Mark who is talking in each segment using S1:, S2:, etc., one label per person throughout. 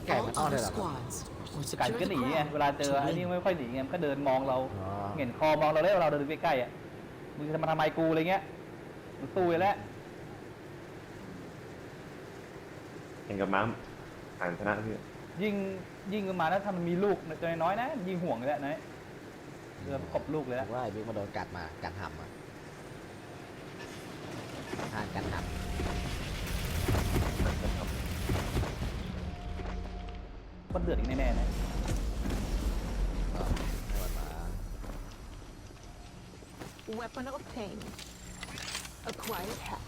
S1: ไก่มันอ้อนเลยเหรอ
S2: ไก่ก็หนีไงเวลาเจอไอ้นี่ไม่ค่อยหนีไงมันก็เดินมองเราเห็นคอมองเราเลยเราเดินใกล้ๆอ่ะมึงจะมาทำไมกูอะไรเงี้ยมันสู้แล้ว
S3: เห็นกับม้าอ่านชนะพี่
S2: ยิงกันมาแล้วถ้ามันมีลูกตัวน้อยๆนะยิงห่วงเลยนะเรือประกบลูกเลย
S1: ว่าไอ้บิ๊กมาโดนกัดมากัดหำอ่ะทานกัดหำ
S2: ก็เดือดอีกแน่ๆนะ
S4: Weapon obtained. Acquired hack.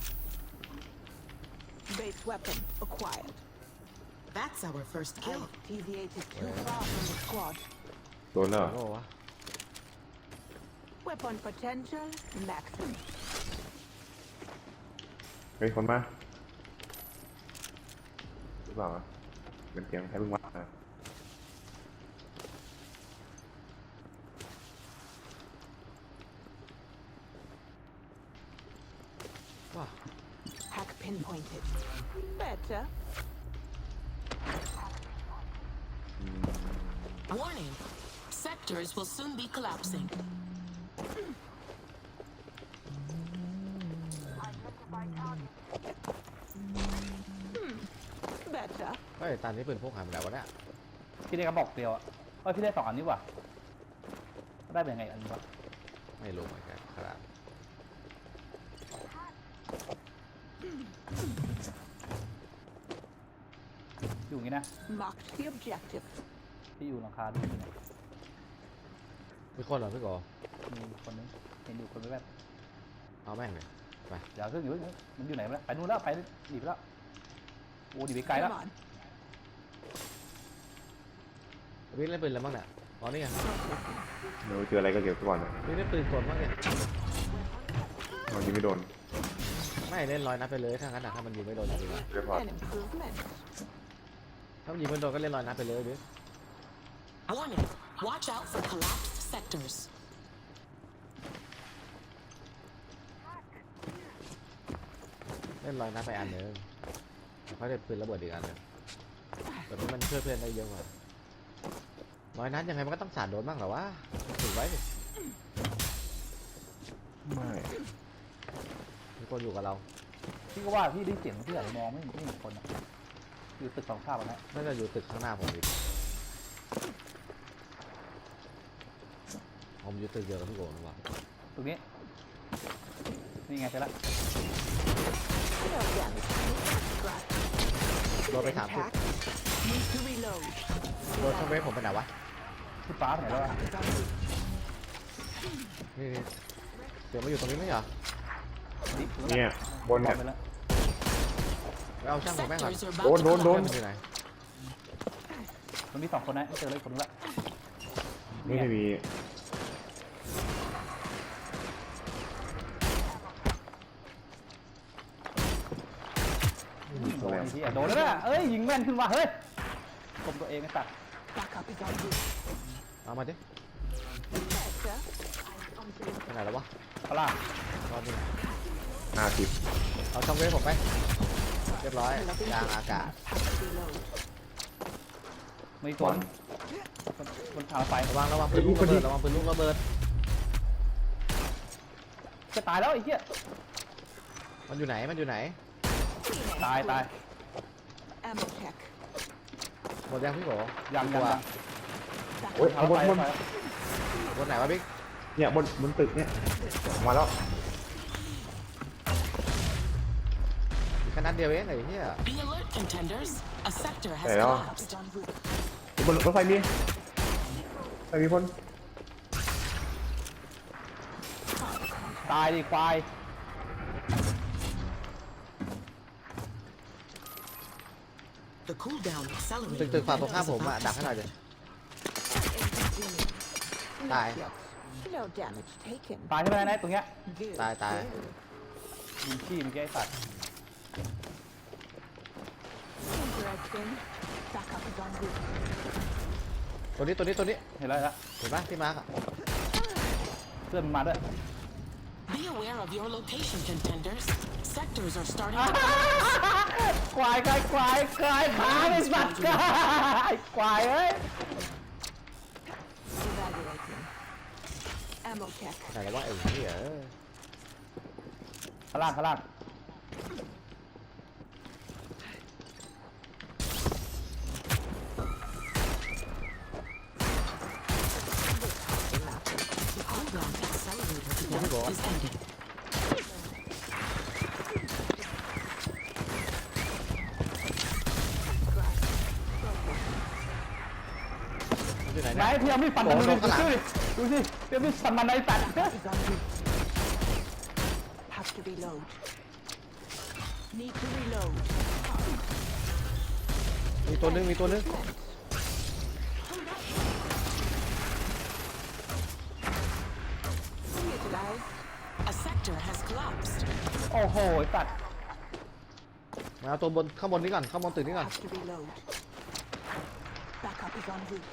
S4: Base weapon acquired.
S5: That's our first kill.
S4: I've deviated too far from the squad.
S3: โดนแล้ว
S1: โอ้วะ
S4: Weapon potential maximum.
S3: เฮ้ยคนมาหรือเปล่าเป็นเสียงใครเพิ่งวัดมา
S1: ว้า
S4: Hack pinpointed. Better.
S5: Warning. Sectors will soon be collapsing.
S4: Better.
S1: เฮ้ยตอนนี้ปืนพกหายไปแล้ววะเนี่ย
S2: พี่ได้กระบอกเดียวอ่ะพี่ได้2 อันนี้ว่ะได้เป็นยังไงอันนี้วะ
S1: ไม่รู้เหมือนกันครับ
S2: อยู่อย่างนี้นะ
S4: Marked the objective.
S2: ที่อยู่หลังคาดูเนี่ย
S1: มีคนเหรอพี่โก
S2: มีคนนึงเห็นอยู่คนแบบ
S1: เอาแม่งเลยไป
S2: เดี๋ยวขึ้นอยู่มันอยู่ไหนแล้วไปนู่นแล้วไปหนีไปแล้วโอ้หนีไปไกลแล้ว
S4: Come on.
S1: วิ่งเล่นปืนอะไรบ้างเนี่ยอ๋อนี่ไง
S3: เดี๋ยวเจออะไรก็เก็บไว้ก่อนนะ
S1: วิ่งเล่นปืนกลบ้างเนี่ย
S3: มันยิงไม่โดน
S1: ไม่เล่น100 นัดไปเลยถ้างั้นอะถ้ามันยิงไม่โดนจริงๆอะ
S3: เรียบร้อย
S4: An improvement.
S1: ถ้ามันยิงไม่โดนก็เล่น100 นัดไปเลยบิ๊ก
S5: Warning. Watch out for collapsed sectors.
S1: เล่น100 นัดไปอันหนึงแล้วเขาได้ปืนระเบิดอีกอันหนึงแบบนี้มันช่วยเพื่อนได้เยอะกว่า100 นัดยังไงมันก็ต้องสาดโดนบ้างเหรอวะถึงไว้ดิ
S3: ไม่
S1: มีคนอยู่กับเรา
S2: พี่ก็ว่าพี่ได้เสียงที่ไหนมองไม่เห็นคนอะอยู่ตึก2 ภาพนะ
S1: น่าจะอยู่ตึกข้างหน้าผมอีกผมอยู่ตึกเดียวกับพี่โกหรือเปล่า
S2: ตรงนี้นี่ไงเสร็จแล้ว
S4: No damage. Scratch.
S1: โดนไปถามพี่
S4: Hack. Need to reload.
S1: โดนช่องเวฟผมไปไหนวะ
S2: ที่ฟ้าไหนแล้วอะ
S1: นี่เดี๋ยวมาอยู่ตรงนี้ไม่เหรอ
S3: เนี่ยบนเนี่ย
S2: ไปแล้ว
S1: ไปเอาช่างผมแม่งก่อน
S5: Sectors are about to
S3: Don't.
S5: collapse.
S1: มันอยู่ไหน
S2: มันมี2 คนนะไม่เจอเลยคนนึงละ
S3: ไม่มี
S2: โดนที่โดนแล้วนะเอ้ยยิงแม่นขึ้นว่ะเฮ้ยกลมตัวเองไอ้สัตว์
S4: Backup is on route.
S1: เอามาดิ
S4: Better.
S1: ไปไหนแล้ววะ
S2: ปลา
S1: ตอนนี้
S3: 50
S1: เอาช่องเวฟผมไปเรียบร้อยยางอากาศ
S4: Hack reload.
S2: ไม่ตัวมันทางไฟ
S1: ระวังปืนลูกระเบิดระวังปืนลูกระเบิด
S2: จะตายแล้วไอ้เหี้ย
S1: มันอยู่ไหนมันอยู่ไหน
S2: ตาย
S4: Ammo check.
S1: หมดยังพี่โก
S2: ยัง
S3: โอ้ย
S2: ทาง
S3: บน
S2: ไฟ
S3: บน
S1: บนไหนวะบิ๊ก
S3: เนี่ยบนตึกเนี่ยมาแล้ว
S1: แค่นัดเดียวเองไอ้เหี้ย
S5: Be alert, contenders. A sector has
S3: Hey, oh.
S5: collapsed.
S4: En route.
S3: บนรถไฟมีคน
S2: ตายดิควาย
S5: The cooldown
S1: ตึก
S5: accelerating.
S1: ฝั่งตรงข้ามผมอะดักให้หน่อยดิ
S4: Inconvenient.
S1: Die.
S4: Not yet. No damage taken.
S2: ตายใช่ไหมนายตรงเนี้ย
S4: Good.
S1: ตาย
S2: ยิงขี้เมื่อกี้ไอ้สัตว์
S4: Interesting. Backup is en route.
S1: ตัวนี้
S2: เห็นแล้ว
S1: เห็นปะที่มาร์กอะ
S2: เพื่อนมันมาด้วย
S5: Be aware of your location, contenders. Sectors are starting to
S2: ควายขาไอ้สัตว์ควายเอ้ย
S4: Evaluating. Ammo check.
S1: ไหนแล้วว่าไอ้เหี้ย
S2: ข้างล่าง
S5: the program accelerator
S1: What is
S5: event is ending.
S1: อยู่ไหน
S2: ไหน
S1: เนี่ย
S2: พี่เอามีดฟันมันดูสิดูสิพี่เอามีดฟันมันในสัตว์
S4: Is on route. Have to reload. Need to reload.
S1: มีตัวนึง
S4: See you guys.
S5: A sector has collapsed.
S2: โอ้โหไอ้สัตว์
S1: มาเอาตัวบนข้างบนนี้ก่อนข้างบนตึกนี้ก่อน
S4: Have to reload. Backup is en route.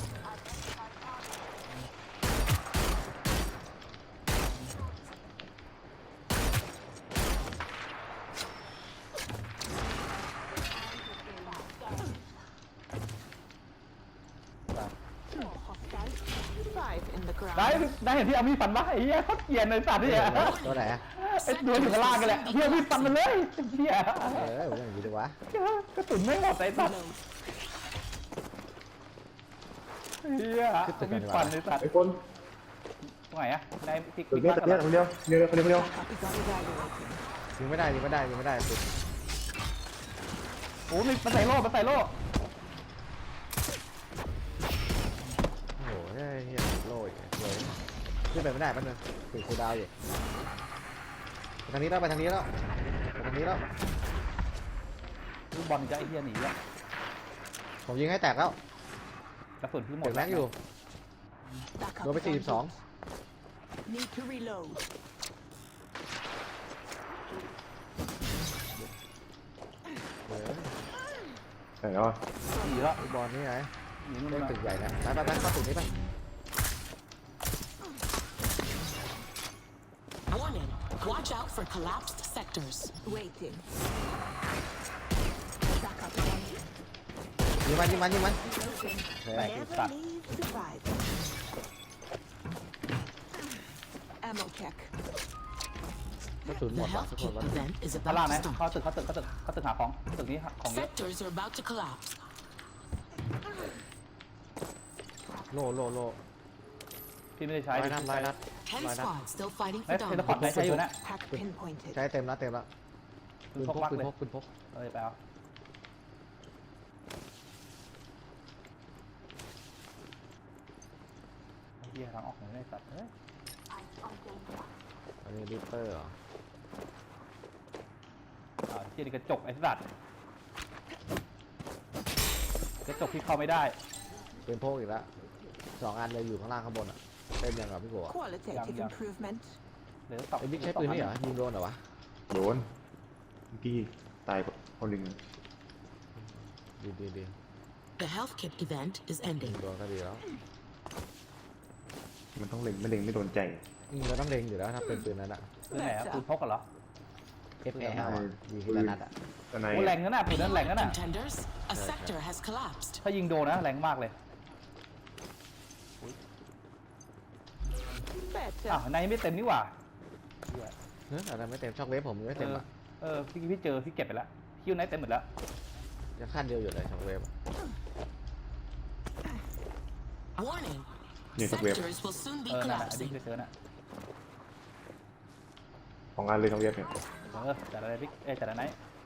S4: 5 in the
S2: ได้
S4: ground.
S2: ได้เห็นพี่เอามีดฟันปะไอ้เหี้ยเขาเกลียดในสัตว์เนี่ย
S1: ตัวไหนอะ
S2: ไอ้ตัวอยู่ข้างล่างกันแหละพี่เอามีดฟันมันเลยไอ้เหี้ย
S1: ผมอย่างนี้ดีวะ
S2: กระสุนไม่หมดไอ้สัตว์
S4: Reload.
S2: เหี้ยเอามีดฟันไอ้สัตว์
S3: ไอ้คน
S2: ตรงไหนอะในติ๊ก
S3: ตึกเนี้ยตึกเนี้ยคนเดียวคนเดียว
S4: Backup is on evaluating.
S1: ยิงไม่ได้ตึก
S2: โอ้มีมันใส่โล่
S1: โอ้โหเฮียโล่อีกเลยขึ้นไปไม่ได้แป๊บนึงถึงคูลดาวน์อยู่ไปทางนี้แล้ว
S2: ลูกบอลจะไอ้เหี้ยหนีอะ
S1: ผมยิงให้แตกแล้ว
S2: กระสุนพี่หม
S1: เด็
S2: ด
S1: กแม็กอยู่
S4: Backup
S1: โดนไป
S4: is en route.
S1: 42
S4: Need to reload.
S1: เออ
S3: ไหนแล้วอะ
S2: หนีแล้ว
S1: ลูกบอลนี่ไง
S2: หนีนู่น
S1: เล่น
S2: น่ะ
S1: ตึกใหญ่นะไปเข้าตึกนี้ไป
S5: Warning. Watch out for collapsed sectors.
S4: Waiting. Backup is en route.
S1: ยิงมัน
S4: Reloading.
S1: โอเค
S4: Never leave survivor. Ammo check.
S1: กระสุนหม
S5: The
S1: ดว่ะ
S5: health
S1: ทุกคน
S5: kit
S1: วะ
S5: event is
S2: ข้างล่าง
S5: about
S2: นะ
S5: to start.
S2: เข้าตึกหาของตึกนี้ของเยอะ
S5: Sectors are about to collapse.
S1: โล่
S2: พี่ไม่ได้ใช้
S1: ร้อยนัด
S5: 10 squads still fighting
S2: เอ้
S5: for
S2: ยเทเลพอร์ต
S5: dominance.
S2: ใช้อยู่นะ
S4: Hack pinpointed.
S1: ใช้เต็มแล้วปื
S2: ปืน
S1: น
S2: พ
S1: พ
S2: ก
S1: ก
S2: วัก
S1: ปืน
S2: เลย
S1: พกปืนพก
S2: เอ้ยไปเอาไอ้เหี้ยทางออกไหนได้สัตว์เอ้ย
S1: อันนี้ริปเปอร์เหรอ
S2: เหี้ยนี่กระจกไอ้สัตว์กระจกที่เข้าไม่ได้
S1: ปืนพกอีกแล้ว2 อันเลยอยู่ข้างล่างข้างบนอ่ะเต็มยังเหรอพี่โกะ
S4: Qualitative
S2: Yeah.
S4: improvement.
S2: เหลือสอง
S1: ไอ้บิ๊กใช้ปืนนี่เหรอยิงโดนเหรอวะ
S3: โดนเมื่อกี้ตายคนหนึ่ง
S1: ดี
S5: The health kit event is
S1: ยิง
S5: ending.
S1: โดนก็ดีแล้ว
S3: มันต้องเล็งไม่โดนใจ
S1: เราต้องเล็งอยู่แล้วถ้าเป็นปืนนั้นอะ
S2: ปืนไหนอะปืนพกกันเหรอ
S1: FAL อะยิงทีละนัดอะ
S3: ตอนใน
S2: โอ้แรงนั่นน่ะปืนนั้นแรงนั่นน่ะ
S5: Contenders, a sector has collapsed.
S2: ถ้ายิงโดนนะแรงมากเลย
S4: Better.
S2: อ้าวในไม่เต็มนี่หว่าเหี้ย
S1: เฮ้ยอะไรไม่เต็มช็อกเวฟผมไม่เต็มอะ
S2: พี่เจอพี่เก็บไปแล้วคิวไหนเต็มหมดแล้ว
S1: ยังขั้นเดียวอยู่เลยช็อกเวฟ
S5: Warning.
S3: นี่สักเว็บ
S5: Sectors will soon be
S2: นั่นน่ะอันนี้
S5: collapsing.
S2: พี่เจอน่ะ
S3: ของงานเลยทั้งเว็บเนี่ย
S2: จัดอะไรพี่จัดอะไรไหน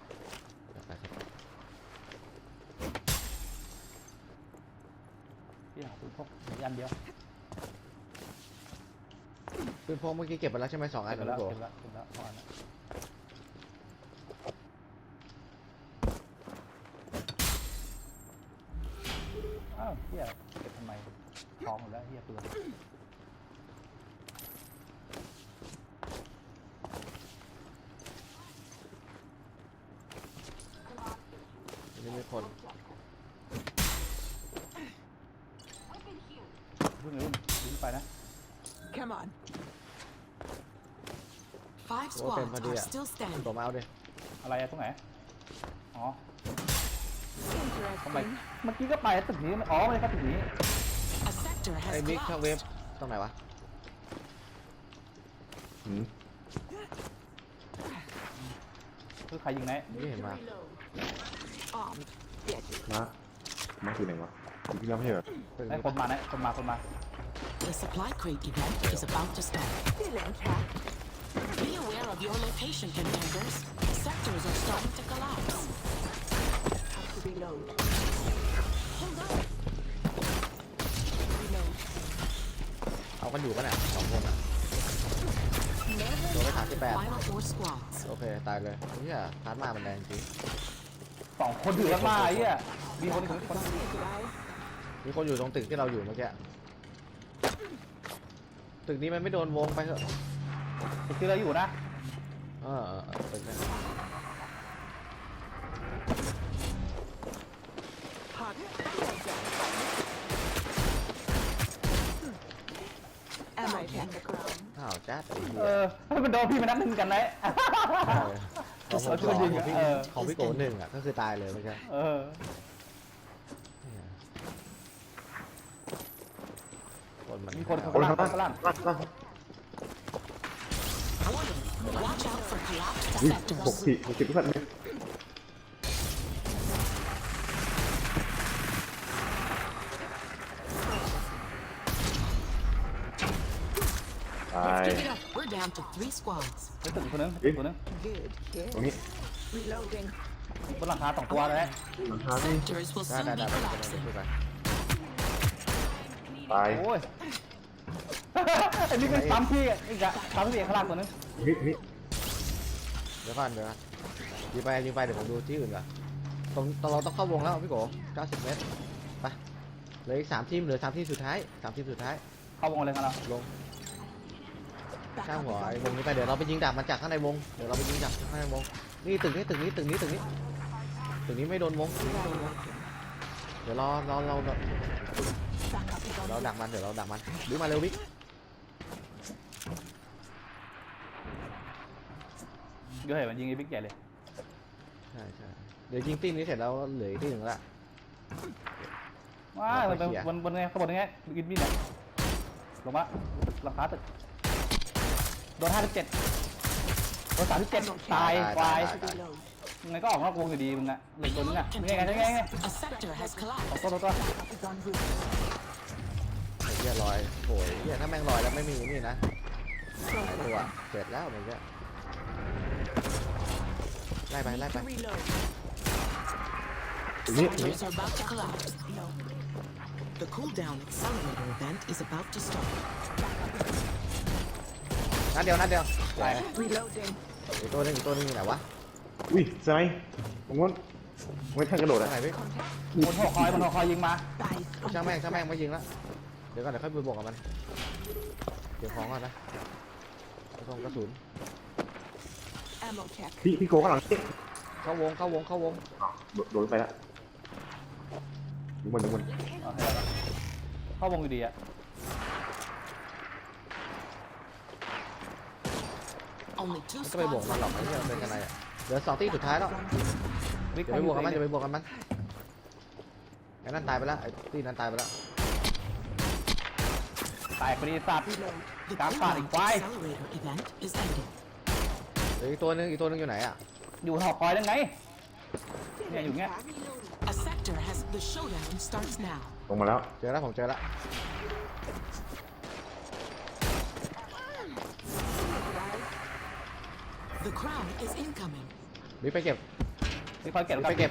S2: พี่หาปืนพกมีอันเดียว
S1: ปืนพกเมื่อกี้เก็บไปแล้วใช่ไหม2 อัน
S2: เก็บ
S1: เหรอ
S2: แล้ว
S1: พี่โกะ
S2: เก็บแล้วพอแล้วอ้าวเฮียเก็บทำไมทองหมดแล้วเฮียเปลือก
S1: อันนี้มีคน
S2: พึ่งไปนะ
S4: Come on.
S5: 5
S1: โอ้เต็มพอ
S5: squads
S1: ดี
S5: are
S1: อ่ะ
S5: still
S1: คุณ
S5: standing.
S1: โกมาเอาดิ
S2: อะไรอะตรงไหนอ๋อทำไม
S4: Interesting.
S2: เมื่อกี้ก็ไปตึกนี้อ๋อไม่ใช่ตึกนี้
S5: A sector
S1: ไอ้
S5: has
S1: บิ๊กช่องเว็บ
S5: collapsed.
S1: ตรงไหนวะ
S3: หืม
S2: คือใครยิงไหน
S1: ไม่เห็นมา
S4: Armed. Deadly.
S3: มาคือไหนวะอยู่ที่เราไม่ใช่เหรอ
S2: ไอ้คนมานะคนมา
S5: The supply crate event is about to start.
S4: Still intact.
S5: Be aware of your location, contenders. Sectors are starting to collapse.
S4: Have to reload.
S5: Hold up.
S4: Reload.
S1: เอากันอยู่กันอ่ะสองคนอ่ะโดนไปถามที่แปด
S5: Final 4 squads.
S1: โอเคตายเลยเนี่ยพาร์ทมามันแรงจริง
S2: สองคนอยู่ข้างหน้าไอ้เหี้ยมีคนอีกคน
S4: Goodbye.
S1: มีคนอยู่ตรงตึกที่เราอยู่เมื่อกี้ตึกนี้มันไม่โดนวงไปเถอะ
S2: ที่เราอยู่นะ
S1: ตึกนี้
S4: Hot. Ammo on the ground.
S1: อ้าวแจ๊ดไอ้เหี้
S2: เอย อให้มันโดนพี่มันนัดหนึ่งกันไหน
S1: ของผม
S2: เอาช่วยยิงอะ
S1: ของพี่โกหนึ่งอ่ะก็คือตายเลยเมื่อกี้
S2: เออ
S1: คนมัน
S2: มีคน
S3: คน
S2: ข้าง
S3: ข้าง
S2: ล่าง
S3: ล่าง
S2: ข้างล่าง
S5: Warning. Watch out for collapsed
S3: นี่
S5: sectors.
S3: 60ทุกท่านเลยตาย
S5: Give it up. We're down to 3 squads.
S2: ไอ้ตึกอีกคนนึงอีกคนนึง
S4: Good kid.
S3: ตรงนี้
S4: Reloading.
S2: บนหลังคา2 ตัวเลย
S3: หลังคาที่
S5: Sectors will
S1: ได้
S5: soon
S1: ได้
S5: be
S1: ได้ไป
S5: collapsing.
S1: ไป
S3: ตาย
S2: โอ้ย ไอ้นี่เป็นปั๊มพี่อีกอะปั๊มพี่ข้างล่างตัวนึง
S3: เฮ้ย
S1: เดี๋ยวก่อนยิงไปเดี๋ยวผมดูที่อื่นก่อนตรงเราต้องเข้าวงแล้วพี่โก90 เมตรไปเหลืออีก3ทีมเหลือ3ทีมสุดท้าย3ทีมสุดท้าย
S2: เข้าวงเลยครับเรา
S1: ลง
S4: Back
S1: ข้าง
S4: up
S1: หัว
S4: is
S1: ไอ้
S4: on
S1: วงนี้ไปเดี๋ยวเราไปยิงดักมันจากข้างในวงเดี๋ยวเราไปยิงจากข้างในวงนี่ตึกนี้ไม่โดนวงเดี๋ยวเรา
S4: Back up is on
S1: ดักมันเดี๋ยวเราดักมันดึงมาเร็วบิ๊ก
S2: เดี๋ยวเห็นมันยิงไอ้บิ๊กใหญ่เลย
S1: ใช่เดี๋ยวยิงตีนี้เสร็จแล้วเหลือที่หนึ่งละ
S2: ว้ามันเป็นบนไงข้างบนไงกินมีดเนี่ยลงมาหลังคาตึกโดน57โดน37ตายควาย
S4: reload.
S2: ยังไงก็ออกนอกวงอยู่ดีมึงอะเหลือตัวนึงอะมึงไง
S5: A sector has collapsed.
S2: ตัว
S4: Back up is on route.
S1: ไอ้เหี้ยลอยโอ้ยเหี้ยถ้าแม่งลอยแล้วไม่มีนี่นะหลายตัวเสร็จแล้วมันจะไล่ไป
S4: Need to reload.
S3: ตรงนี้
S5: Sectors are about to collapse. The cooldown accelerator event is about to start.
S1: นัดเดียว
S2: ตาย
S4: Reloading.
S1: อีกตัวหนึงอยู่ไหนวะ
S3: อุ้ยสไนตรงนู้นไม่ทันกระโดด
S1: ทาง
S3: อ่ะ
S1: ไหนพี่
S4: Contact.
S2: บนหัวคอยยิงมา
S4: Dice.
S1: ช่างแม่งไม่ยิงละเดี๋ยวค่อยไปบวกกับมันเก็บของก่อนนะกระสุน
S4: Ammo check.
S3: พี่โกข้างหลังนี่
S1: เข้าวง
S3: โดนไปละดูมัน
S2: เข้าวงอยู่ดีอะ
S5: Only 2
S1: ไม่ก็ไปบวก
S5: squads
S1: มันหรอก
S5: left.
S1: ไอ้เหี้ยมันเป็นกันไรอ่ะเดี๋ยว2 ตีสุดท้ายแล้ว
S2: บิ๊ก
S1: อย่าไปบวกกับมันไอ้นั่นตายไปแล้วไอ้ตีนั้นตายไปแล้ว
S2: ตายพอดีสัตว์
S4: Reload.
S5: The
S2: Cám phạt
S5: cooldown
S2: quay.
S5: accelerator event is ending.
S1: เดี๋ยวอีกตัวหนึงอยู่ไหนอ่ะ
S2: อยู่หอคอยได้ไงเนี่ยอยู่เงี้ย
S5: A sector has the showdown starts now.
S3: ลงมาแล้ว
S1: เจอแล้วผมเจอแล้ว
S5: The crown is incoming.
S1: บิ๊กไปเก็บ
S2: บิ๊กคอยเก็บ
S1: ไปเก็บ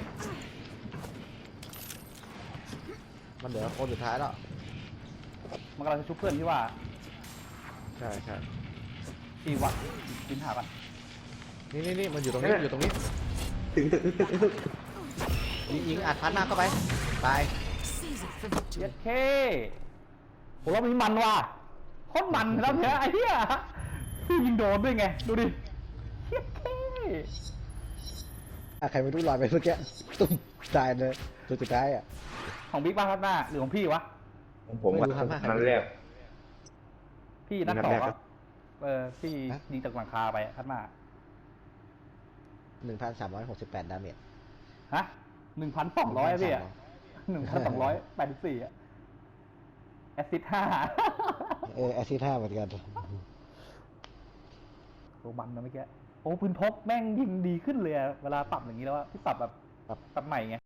S1: มันเหลือคนสุดท้ายแล้ว
S2: มันกำลังจะชุบเพื่อนที่ว่า
S1: ใช่
S2: ที่วัดกินหากัน
S1: นี่มันอยู่ตรงนี้
S3: ตึก
S1: ยิงอัดพัดหน้าเข้าไปตาย
S5: Seize it for
S2: เย็ด
S5: victory.
S2: เคผมว่ามีมันว่ะโคตรมันแล้วเนี่ยไอ้เหี้ยพี่ยิงโดนด้วยไงดูดิเย็ดเค
S1: ใครไม่รู้ลอยไปเมื่อกี้ตุ้มตายเลยตัวสุดท้ายอ่ะ
S2: ของบิ๊กบ้างครับหน้าหรือของพี่วะ
S3: ของผมว่า
S1: ไม่รู้ครับ
S3: นัดแรก
S2: พี่นัด
S3: นัด
S2: ต่อ
S3: แรก
S2: วะพี่ยิงจากหลังคาไปคัดมา
S1: 1,368 ดาเมจ
S2: ฮะ 1,200พี่อ่ะ 1,284อ่ะแอสซิด5
S1: แอซิด5เหมือนกัน
S2: ตัวมันนะเมื่อกี้โอ้ปืนพกแม่งยิงดีขึ้นเลยอะเวลาปรับอย่างนี้แล้วอะพี่ปรับแบบปรับใหม่ไง